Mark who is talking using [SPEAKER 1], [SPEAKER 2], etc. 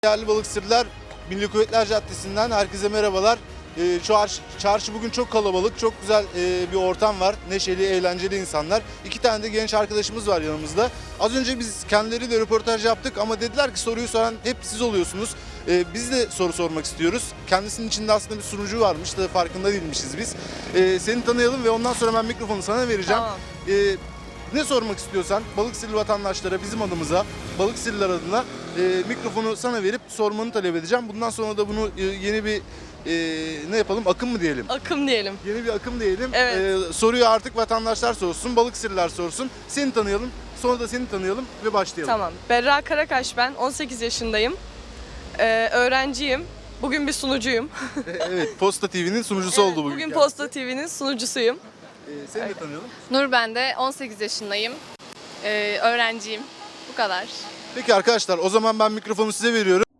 [SPEAKER 1] Değerli balıkçılar, Milli Kuvvetler Caddesi'nden herkese merhabalar. Şu çarşı bugün çok kalabalık, çok güzel bir ortam var. Neşeli, eğlenceli insanlar. İki tane de genç arkadaşımız var yanımızda. Az önce biz kendileriyle röportaj yaptık ama dediler ki soruyu soran hep siz oluyorsunuz. Biz de soru sormak istiyoruz. Kendisinin içinde aslında bir sunucu varmış da farkında değilmişiz biz. Seni tanıyalım ve ondan sonra ben mikrofonu sana vereceğim.
[SPEAKER 2] Tamam.
[SPEAKER 1] Ne sormak istiyorsan Balıkesirli vatandaşlara, bizim adımıza, Balıkesirliler adına mikrofonu sana verip sormanı talep edeceğim. Bundan sonra da bunu yeni bir ne yapalım, akım mı diyelim?
[SPEAKER 2] Akım diyelim.
[SPEAKER 1] Yeni bir akım diyelim.
[SPEAKER 2] Evet.
[SPEAKER 1] Soruyu artık vatandaşlar sorsun, Balıkesirliler sorsun. Seni tanıyalım, sonra da seni tanıyalım ve başlayalım.
[SPEAKER 2] Tamam. Berra Karakaş ben. 18 yaşındayım. Öğrenciyim. Bugün bir sunucuyum.
[SPEAKER 1] Evet, Posta TV'nin sunucusu oldu bugün.
[SPEAKER 2] Bugün
[SPEAKER 1] kendisi.
[SPEAKER 2] Posta TV'nin sunucusuyum.
[SPEAKER 1] Seni de tanıyalım.
[SPEAKER 3] Nur ben de 18 yaşındayım. Öğrenciyim. Bu kadar.
[SPEAKER 1] Peki arkadaşlar, o zaman ben mikrofonu size veriyorum.